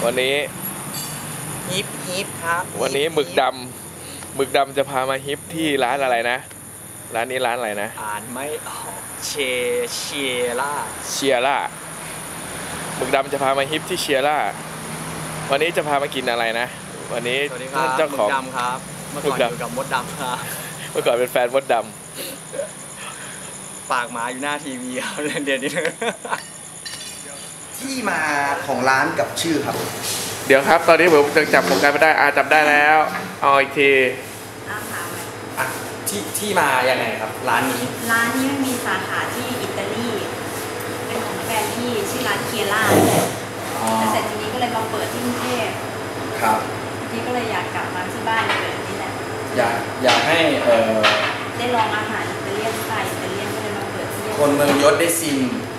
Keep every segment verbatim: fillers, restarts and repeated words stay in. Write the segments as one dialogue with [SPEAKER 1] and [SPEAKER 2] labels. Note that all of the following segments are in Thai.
[SPEAKER 1] วันนี้
[SPEAKER 2] ฮิปฮิปครับ
[SPEAKER 1] วันนี้หมึกดำหมึกดำจะพามาฮิปที่ร้านอะไรนะร้านนี้ร้านอะไรนะ
[SPEAKER 2] อ่านไม่ออกเชเชียร่า
[SPEAKER 1] เชียร่าหมึกดำจะพามาฮิปที่เชียร่าวันนี้จะพามากินอะไรนะวันนี้
[SPEAKER 2] ท่านเจ้าของหมึกดำครับเมื่อก่อนอยู่กับมดดำครับ
[SPEAKER 1] เมื่อก่อนเป็นแฟนมดด
[SPEAKER 2] ำปากหมาอยู่หน้าทีวีครับเรียนเดียวนี้
[SPEAKER 3] ที่มาของร้านกับชื่อครับ
[SPEAKER 1] เดี๋ยวครับตอนนี้ผมจะจับผมกันไม่ได้อาจับได้แล้วเอาอีกที
[SPEAKER 2] ที่ที่มาอย่างไรครับร้านนี้
[SPEAKER 4] ร้านนี้มีสาขาที่อิตาลีเป็นของแฟนที่ชื่อร้านเคียร่าแต่เสร็จทีนี้ก็เลยมาเปิดที่กรุงเทพ
[SPEAKER 3] ครับ
[SPEAKER 4] ทีนี้ก็เลยอยากกลับมาที่บ้านเลยนี่แหละ
[SPEAKER 3] อยากอยากให้เออ
[SPEAKER 4] ได้ลองอาหารอิตาเลียนสไตล์อิตาเลียนก็เลยมาเปิดที่
[SPEAKER 3] คนเมืองยศได้ซิม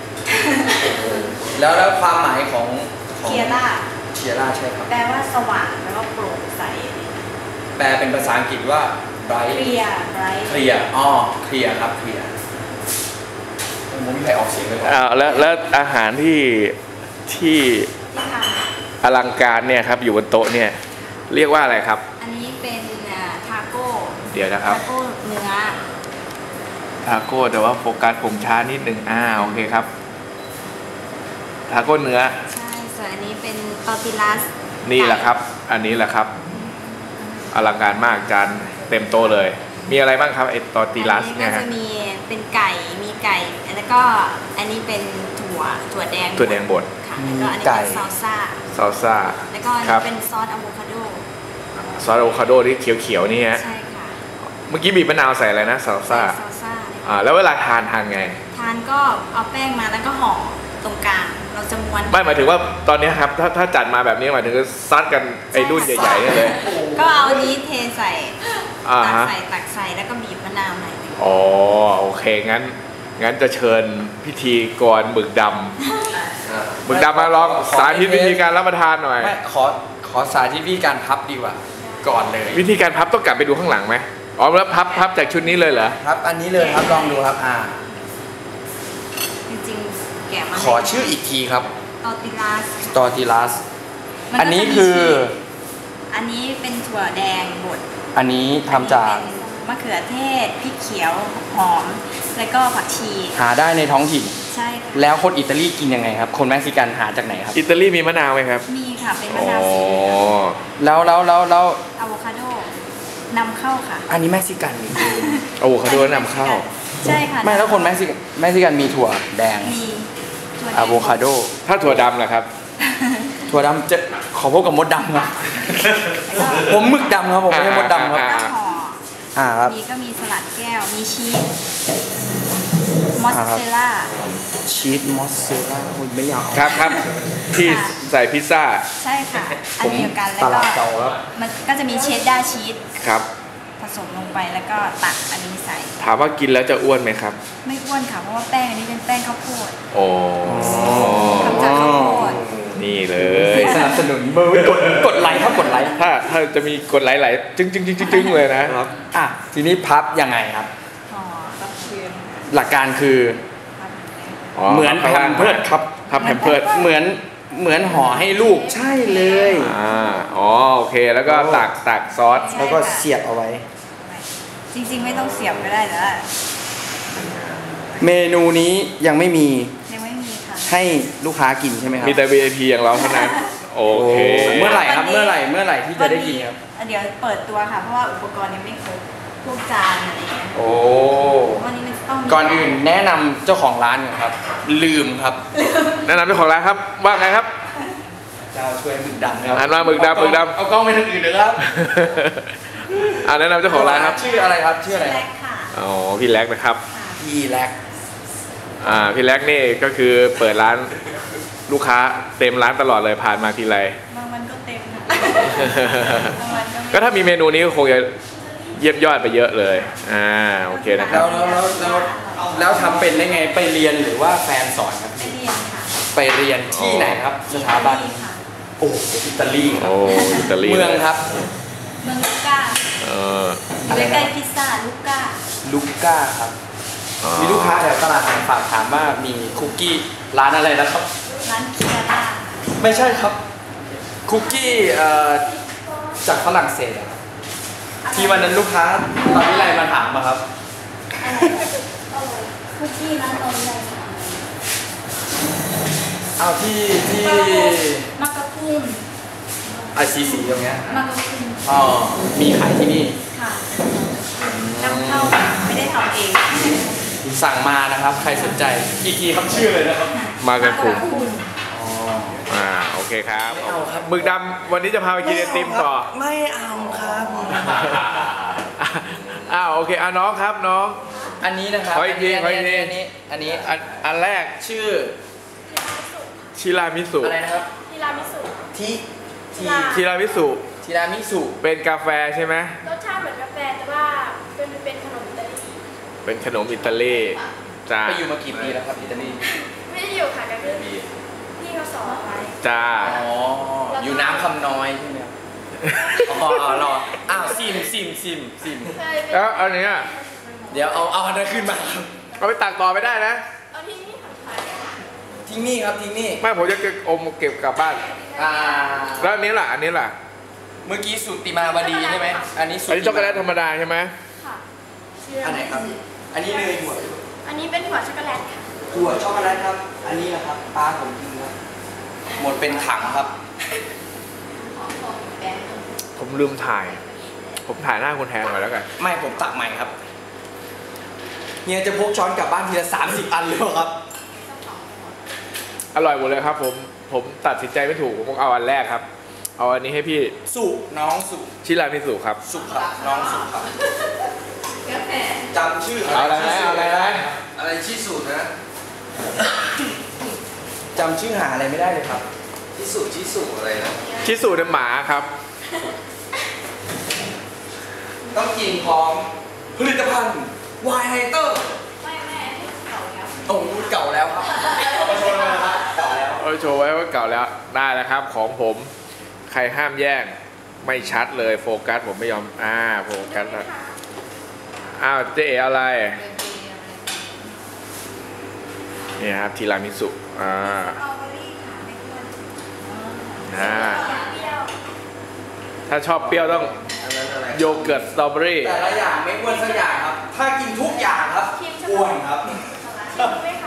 [SPEAKER 3] แล้วแล้วความหมายของ
[SPEAKER 4] เคียร่า
[SPEAKER 3] เคียร่าใช่ครับ
[SPEAKER 4] แปลว่าสว่างแปลว่าโปร่งใส
[SPEAKER 3] แปลเป็นภาษาอังกฤษว่า bright
[SPEAKER 4] เคลียร์ bright
[SPEAKER 3] เคลียร์อ๋อเคลียร์ครับเคลียร์ผมไม่มีใครออกเสียงเลย
[SPEAKER 1] อ้าวแล้วแล้วอาหารที่ที่อลังการเนี่ยครับอยู่บนโต๊ะเนี่ยเรียกว่าอะไรครับ
[SPEAKER 4] อันนี้เป็นทาโก้
[SPEAKER 1] เดี๋ยวนะครับ
[SPEAKER 4] ทาโก้เนื้อ
[SPEAKER 1] ทาโก้แต่ว่าโฟกัสผมช้านิดหนึ่งอ่าโอเคครับทาโก้เนื้อ
[SPEAKER 4] ใช่ส่วนอันนี้เป็นตอร์ติลัส
[SPEAKER 1] นี่แหละครับอันนี้แหละครับอลังการมากจานเต็มโต๊ะเลยมีอะไรบ้างครับไอตอร์ติลัสเนี่ย
[SPEAKER 4] ฮะจะมีเป็นไก่มีไก่แล้วก็อันนี้เป็นถั่วถั่วแดง
[SPEAKER 1] ถั่วแดงบด
[SPEAKER 4] ค่ะแล้วก็อันนี้เป็นซอลซ่า
[SPEAKER 1] ซอลซ่า
[SPEAKER 4] แล้วก็เป็นซอสอะโวคาโด
[SPEAKER 1] ซอสอะโวคาโดที่เขียวๆนี่ฮะ
[SPEAKER 4] ใช่ค่ะ
[SPEAKER 1] เมื่อกี้บีบมะนาวใส่อะไรนะซอลซ่า
[SPEAKER 4] ซอลซ่า
[SPEAKER 1] อ่าแล้วเวลาทานทานไง
[SPEAKER 4] ทานก็เอาแป้งมาแล้วก็ห่อตรงกลางเราจะม้วน
[SPEAKER 1] ไม่หมายถึงว่าตอนนี้ครับถ้าถ้าจัดมาแบบนี้หมายถึงซัดกันไอ้รุ่นใหญ่ๆนี่เลย
[SPEAKER 4] ก็เอาอันนี้เทใส่ตักใส่ตักใส่แล้วก็บีบมะนาวหน่อย
[SPEAKER 1] อ๋อโอเคงั้นงั้นจะเชิญพิธีกรหมึกดำหมึกดำมาลองสาธิตวิธีการรับประทานหน่อย
[SPEAKER 3] ไม่ขอขอสาธิตวิธีการพับดีกว่าก่อนเลย
[SPEAKER 1] วิธีการพับต้องกลับไปดูข้างหลังไหมอ๋อแล้วพับพับจากชุดนี้เลยเหรอ
[SPEAKER 3] ครับอันนี้เลยครับลองดูครับอ่า
[SPEAKER 4] จริงๆแกะมา
[SPEAKER 3] ขอชื่ออีกทีครับ
[SPEAKER 4] ตอร์ติลัส
[SPEAKER 3] ตอร์ติลัสอันนี้คือ
[SPEAKER 4] อันนี้เป็นถั่วแดงบด
[SPEAKER 3] อันนี้ทำจาก
[SPEAKER 4] มะเขือเทศพริกเขียวหอมแล้วก็ผักชี
[SPEAKER 3] หาได้ในท้องถิ่น
[SPEAKER 4] ใช่ค่ะ
[SPEAKER 3] แล้วคนอิตาลีกินยังไงครับคนเม็กซิกันหาจากไหนครับ
[SPEAKER 1] อิตาลีมีมะนาวไหมครับ
[SPEAKER 4] มีค่ะเป็นมะนาวสี
[SPEAKER 3] แล้วแล้วแล้วแล้ว
[SPEAKER 4] อะโวคาโดนำเข้าค่ะ
[SPEAKER 3] อันนี้เม็กซิกัน
[SPEAKER 1] อะโวคาโดนำเข้า
[SPEAKER 4] ใช่ค่ะ
[SPEAKER 3] ไม่แล้วคนเม็กซิกันเม็กซิกันมีถั่วแดง
[SPEAKER 4] มี
[SPEAKER 3] อะโวคาโด
[SPEAKER 1] ถ้าถั่วดำล่ะครับ
[SPEAKER 3] ถั่วดำจะขอพบกับมดดำครับผมหมึกดำครับผมไม่ใช่มดดำครับอ่าครับ
[SPEAKER 4] มีก็มีสลัดแก้วมีชีสมอสซาเรลล่า
[SPEAKER 3] ชีสมอสซาเรลล่าคุณไม่อยาก
[SPEAKER 1] ครับครับที่ใส่พิซซ่า
[SPEAKER 4] ใช่ค่ะอันเดียวกันแล้วก็มันก็จะมีเชดดาร์ชีส
[SPEAKER 1] ครับ
[SPEAKER 4] ผสมลงไปแล้วก็ตักอันนี้ใส่
[SPEAKER 1] ถามว่ากินแล้วจะอ้วนไหมครับ
[SPEAKER 4] ไม่อ้วนค่ะเพราะว่าแป้งอันนี้เป็นแป้งข้าวโพด
[SPEAKER 1] โอ้
[SPEAKER 4] ทำจากข้าวโพด
[SPEAKER 1] นี่เลย
[SPEAKER 3] สนับสนุนมือกดกดไลค์ครับกดไลค์
[SPEAKER 1] ถ้าถ้าจะมีกดไลค์ไหลจึ้งจึ้งจึ้งจึ้งเลยนะครับ
[SPEAKER 3] อ่ะทีนี้พับยังไงครับ
[SPEAKER 4] อ๋อก็คือ
[SPEAKER 3] หลักการคือเหมือนแพมเพิร์ดครับ
[SPEAKER 1] พับแพมเพิร์ด
[SPEAKER 3] เหมือนเหมือนห่อให้ลูกใช่เลย
[SPEAKER 1] อ่าอ๋อโอเคแล้วก็ตักตักซอส
[SPEAKER 3] แล้วก็เสียบเอาไว้
[SPEAKER 4] จริงๆไม่ต้องเสียบก็ได้แต่ว่า
[SPEAKER 3] เมนูนี้ยังไม่มี
[SPEAKER 4] ยังไม่มีค่ะ
[SPEAKER 3] ให้ลูกค้ากินใช่ไหมครับ
[SPEAKER 1] มีแต่ วี ไอ พี อย่างเราเท่านั้นโอเค
[SPEAKER 3] เมื่อไหร่ครับเมื่อไหร่เมื่อไหร่ที่จะได้กินครับ
[SPEAKER 4] เดี๋ยวเปิดตัวค่ะเพราะว่าอุปกรณ์ยังไม่ครบพวกจานอะไรเงี้ย
[SPEAKER 3] โอ้
[SPEAKER 4] วันนี้มันต้อง
[SPEAKER 3] ก่อนอื่นแนะนำเจ้าของร้านครับลืมครับ
[SPEAKER 1] แนะนำเจ้าของร้านครับว่าไงครับ
[SPEAKER 3] เจ้าช่วยหมึกดำครับ
[SPEAKER 1] อ่านมาหมึกดำหมึกดำ
[SPEAKER 3] เอากล้องไปทางอื่นเลยครับ
[SPEAKER 1] อ่าแนะนำเจ้าของร้านครับ
[SPEAKER 3] ชื่ออะไรครับชื่ออะไร
[SPEAKER 1] อ๋อพี่แล็กนะครับ
[SPEAKER 3] พี่แล็ก
[SPEAKER 1] อ่าพี่แล็กนี่ก็คือเปิดร้านลูกค้าเต็มร้านตลอดเลยผ่านมาทีไร
[SPEAKER 4] บางวันก็เต็ม
[SPEAKER 1] ก็ถ้ามีเมนูนี้ก็คงจะเยี่ยมยอดไปเยอะเลยอ่าโอเคนะครับ
[SPEAKER 3] แล้วแล้วแล้วแล้วทำเป็นได้ไงไปเรียนหรือว่าแฟนสอนครับ
[SPEAKER 4] ไปเรียนค่ะ
[SPEAKER 3] ไปเรียนที่ไหนครับสถาบันโอ้อิตาลี
[SPEAKER 1] โอ้อิตาลี
[SPEAKER 3] เมืองครับ
[SPEAKER 4] เมืองลูก้า
[SPEAKER 1] เออ
[SPEAKER 4] ใกล้ๆพิซซ่าลูก้า
[SPEAKER 3] ลูก้าครับมีลูกค้าแถวตลาดฝากถามว่ามีคุกกี้ร้านอะไรนะครับ
[SPEAKER 4] ร้านเคียร่า
[SPEAKER 3] ไม่ใช่ครับคุกกี้เอ่อจากฝรั่งเศสอะครับที่วันนั้นลูกค้าตอนนี้ไรมาถามมาครับ
[SPEAKER 4] คุกกี้ร้านตอนไหนคะ
[SPEAKER 3] เอาที่ที่
[SPEAKER 4] มักกะพุ้ง
[SPEAKER 3] ไอซีสีตรงเนี้ย
[SPEAKER 4] มักกะพุ้ง
[SPEAKER 3] อ๋อมีขายที่นี่
[SPEAKER 4] ค่ะนำเข้าไม่ได้ทำเอง
[SPEAKER 3] สั่งมานะครับ ใครสนใจอีกทีครับชื่อเลยนะครับ
[SPEAKER 1] มากระคุม
[SPEAKER 4] พุ้ง
[SPEAKER 3] อ๋อ
[SPEAKER 1] อ่าโอเคครับ
[SPEAKER 3] ไม่เอาครับ
[SPEAKER 1] หมึกดำวันนี้จะพาไปกินไอติมต่อ
[SPEAKER 3] ไม่เอาครับ
[SPEAKER 1] อ้าวโอเคอ่ะน้องครับน้อง
[SPEAKER 3] อันนี้นะครับ
[SPEAKER 1] ขออีกทีขออีกที
[SPEAKER 3] อันนี้อันนี้
[SPEAKER 1] อันอันแรก
[SPEAKER 3] ชื่อ
[SPEAKER 1] ชิรามิสุ
[SPEAKER 3] อะไรนะครับ
[SPEAKER 5] ทีรามิสุ
[SPEAKER 3] ทีที
[SPEAKER 1] ชิรามิสุ
[SPEAKER 3] ทีรามิสุ
[SPEAKER 1] เป็นกาแฟใช่ไหม
[SPEAKER 5] รสชาติเหมือนกาแฟแต่ว่าเป็นเป็นขนมอิตาลี
[SPEAKER 1] เป็นขนมอิตาลีจ้า
[SPEAKER 3] ไปอยู่มากี่ปีแล้วครับอิตาลี
[SPEAKER 5] ไม่ได้อยู่ค่ะก็คือพี่เขาสอนไว้
[SPEAKER 1] จ้า
[SPEAKER 3] อ๋ออยู่น้ำคำน้อยใช่ไหมครับอ๋อรออ้าวซิมซิมซิมซิม
[SPEAKER 5] เคยเป็น
[SPEAKER 1] แล้วอันเนี้ย
[SPEAKER 3] เดี๋ยวเอาเอาอันนั้นขึ้นมาครับ
[SPEAKER 1] เอาไปตักต่อไม่ได้นะ
[SPEAKER 5] เอาที่นี่ค่ะขาย
[SPEAKER 3] ทิ้งนี่ครับทิ้งนี่
[SPEAKER 1] ไม่ผมจะเก็บอมเก็บกลับบ้าน
[SPEAKER 3] อ่า
[SPEAKER 1] แล้วอันนี้ล่ะอันนี้ล่ะ
[SPEAKER 3] เมื่อกี้สุติมาวดีใช่ไหมอันนี้สุ
[SPEAKER 1] อันนี้ช็อกโกแลตธรรมดาใช่ไหม
[SPEAKER 5] ค่ะ
[SPEAKER 3] อันไหนครับ อันนี้เนยถั่ว
[SPEAKER 5] อันนี้เป็นหัวช็อกโกแลตค่ะ
[SPEAKER 3] ถั่วช็อกโกแลตครับ อันนี้นะครับปลาผมกินครับหมดเป็นถังครับ
[SPEAKER 1] ผมลืมถ่าย ผมถ่ายหน้าคุณแทนไว้แล้วกัน
[SPEAKER 3] ไม่ผมตักใหม่ครับเฮียจะพกช้อนกลับบ้านทีละสามสิบอันเลยเหรอครับ
[SPEAKER 1] อร่อยหมดเลยครับ ผมผมตัดสินใจไม่ถูกผมเอาอันแรกครับ เอาอันนี้ให้พี่
[SPEAKER 3] สุน้องสุ
[SPEAKER 1] ชิรามิสุครับ
[SPEAKER 3] สุครับน้องสุครับ
[SPEAKER 4] กาแฟ
[SPEAKER 3] จำชื่อ
[SPEAKER 1] เอาอะไรนะเอาอะไรนะ
[SPEAKER 3] อะไรชื่อสูตรนะจำชื่อหาอะไรไม่ได้เลยครับชิสุชิสุอะไรนะ
[SPEAKER 1] ชิสุเนี่ยหมาครับ
[SPEAKER 3] ต้องกินพร้อมผลิตภัณฑ์วายไฮเตอร์
[SPEAKER 4] ไม่แม่เก่าแล้ว
[SPEAKER 3] โอ้รุ่นเก่าแล้วครับเอามาโชว์เลยนะครับเก่าแล้ว
[SPEAKER 1] เอาโชว์ไว้ว่าเก่าแล้วได้แล้วครับ ของผมใครห้ามแย่งไม่ชัดเลยโฟกัสผมไม่ยอมอ่าโฟกัสแล้วอ้าวเจ๊เอ๋อะไรนี่ครับทีรามิสุอ่า
[SPEAKER 4] สตรอเบอรี่ค่ะไม่ควร
[SPEAKER 1] อ่า
[SPEAKER 5] เปรี้ยว
[SPEAKER 1] ถ้าชอบเปรี้ยวต้อง
[SPEAKER 3] อันนั้นอะไร
[SPEAKER 1] โยเกิร์ตสตรอเบอรี่
[SPEAKER 3] แต่ละอย่างไม่อ้วนสักอย่างครับ ถ้ากินทุกอย่างครับอ้วนครับ
[SPEAKER 5] ชิมไหมคะ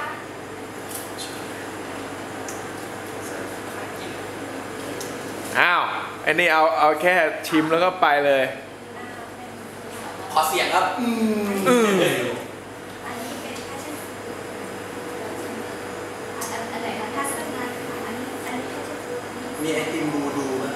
[SPEAKER 1] อ้าวไอ้นี่เอาเอาแค่ชิมแล้วก็ไปเลย
[SPEAKER 3] ขอเสียงครับอืม
[SPEAKER 1] อืม
[SPEAKER 4] อันนี้เป็นผ้าเช็ดอันอันไหนคะผ้าเช็ดหน้าค่ะอันนี้อันนี้ผ้าเช็ดตัวอันนี้
[SPEAKER 3] มีไอติมบูดูไหม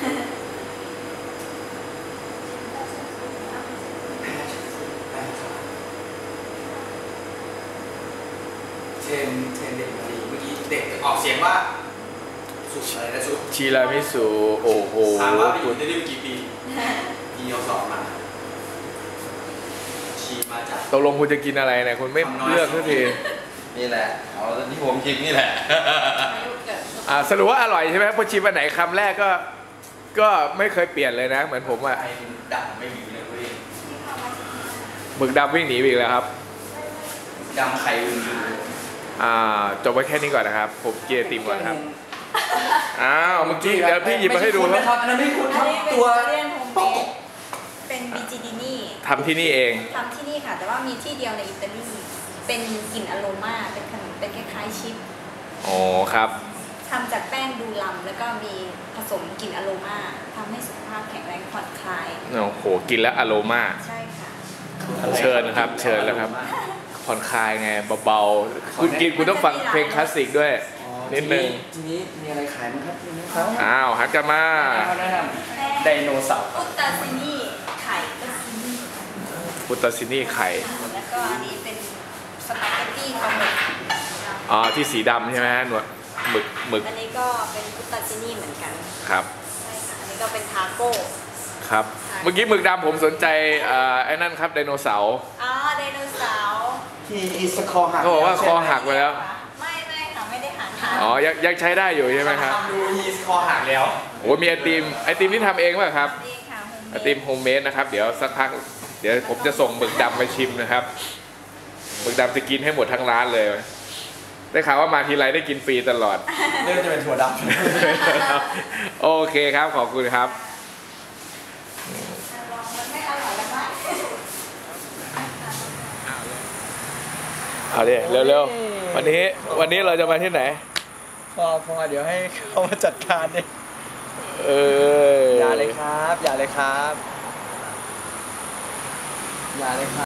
[SPEAKER 3] เทนเทนเด็กมาดีเมื่อกี้เด็กออกเสียงว่าสุดอะไรนะสุด
[SPEAKER 1] ชิรามิสุโอ้โห
[SPEAKER 3] ถามว่าไปอยู่ในนี้กี่ปีปีเดียวสองมาชีมาจาก
[SPEAKER 1] ตกลงคุณจะกินอะไรเนี่ยคุณไม่เลือกสักที
[SPEAKER 6] นี่แหละ เอาที่ผมคิดนี่แหละ
[SPEAKER 1] อ่าสรุปว่าอร่อยใช่ไหมพอชิมอันไหนคำแรกก็ ก็ไม่เคยเปลี่ยนเลยนะ เหมือนผมอะ
[SPEAKER 3] ไอ้ดังไม่มีเลยเว้ย
[SPEAKER 1] หมึกดำวิ่งหนีไปอีกแล้วครับ
[SPEAKER 3] ดำไข่อื่น
[SPEAKER 1] อ่าจบไว้แค่นี้ก่อนนะครับ ผมกินไอติมก่อนนะครับอ้าวเมื่อกี้เดี๋ยวพี่หยิบมาให้ดู
[SPEAKER 3] ค
[SPEAKER 1] ค
[SPEAKER 3] รั
[SPEAKER 1] รั
[SPEAKER 3] บบ อันนั้นไม่คุ้นค
[SPEAKER 4] อั
[SPEAKER 3] รั
[SPEAKER 4] น
[SPEAKER 3] บ
[SPEAKER 4] นี้เป็น
[SPEAKER 3] ตัว
[SPEAKER 4] เรียนโฮมเมดเป็นบิจิดินี่
[SPEAKER 1] ทำที่นี่เอง
[SPEAKER 4] ทำที่นี่ค่ะ แต่ว่ามีที่เดียวในอิตาลี เป็นกลิ่นอโรมาเป็นขนมเป็นคล้ายๆชิป
[SPEAKER 1] อ๋อครับ
[SPEAKER 4] ทำจากแป้งดูลัมแล้วก็มีผสมกลิ่นอโรมาทำให้สุขภาพแข็งแรงผ่อนคลาย
[SPEAKER 1] โอ้โหกินแล้วอโรมา
[SPEAKER 4] ใช่ค่ะ
[SPEAKER 1] เชิญนะครับ เชิญแล้วครับ ผ่อนคลายไงเบาๆคุณกินคุณต้องฟังเพลงคลาสสิกด้วย นิดนึง
[SPEAKER 3] ทีนี้มีอะไรขายมั้งครับทีนี้ครับ
[SPEAKER 1] อ้าวหันกลับมา
[SPEAKER 3] แนะนำไดโนเสาร์
[SPEAKER 4] อุตตาซินี่ไข่ก็ซินี่
[SPEAKER 1] พุตตาซินี่ไข่
[SPEAKER 4] แล้วก็อันนี้เป็นสปาเกตตี้ปลาหมึก
[SPEAKER 1] อ๋อที่สีดำใช่ไหมฮะหนวดหมึกหมึก
[SPEAKER 4] อันนี้ก็เป็นอุตตาซินี่เหมือนกัน
[SPEAKER 1] ครับ
[SPEAKER 4] ใช่ค่ะอันนี้ก็เป็นทาโก้
[SPEAKER 1] ครับ เมื่อกี้หมึกดำผมสนใจเอ่อไอ้นั่นครับไดโนเสาร์
[SPEAKER 4] อ๋อไดโนเสาร์
[SPEAKER 3] ที่อีสคอหัก
[SPEAKER 1] เขาบอกว่าคอหักไปแล้ว
[SPEAKER 4] ไม่ไม่ค่ะไม่ได้หักค่ะ
[SPEAKER 1] อ๋อยังยังใช้ได้อยู่ใช่ไหมครับ
[SPEAKER 3] ทำดูอีสคอหักแล้ว
[SPEAKER 1] โอ้มีไอติมไอติมที่ทำเองป่ะครับ
[SPEAKER 4] นี่ค่ะ
[SPEAKER 1] ไอติมโฮมเมดนะครับ เดี๋ยวสักพักเดี๋ยวผมจะส่งหมึกดำไปชิมนะครับหมึกดำจะกินให้หมดทั้งร้านเลยได้ข่าวว่ามาทีไรได้กินฟรีตลอด
[SPEAKER 3] เรื่องจะเป็นถั่วด
[SPEAKER 1] โอเคครับขอบคุณครับ
[SPEAKER 4] มันไม่อร่อยแล้วไหม
[SPEAKER 1] เอาดิเร็วๆวันนี้วันนี้เราจะมาที่ไหน
[SPEAKER 3] ำพอพอเดี๋ยวให้เขามาจัดการดิ
[SPEAKER 1] เออ
[SPEAKER 3] อย่าเลยครับ อย่าเลยครับ อย่าเลยครับ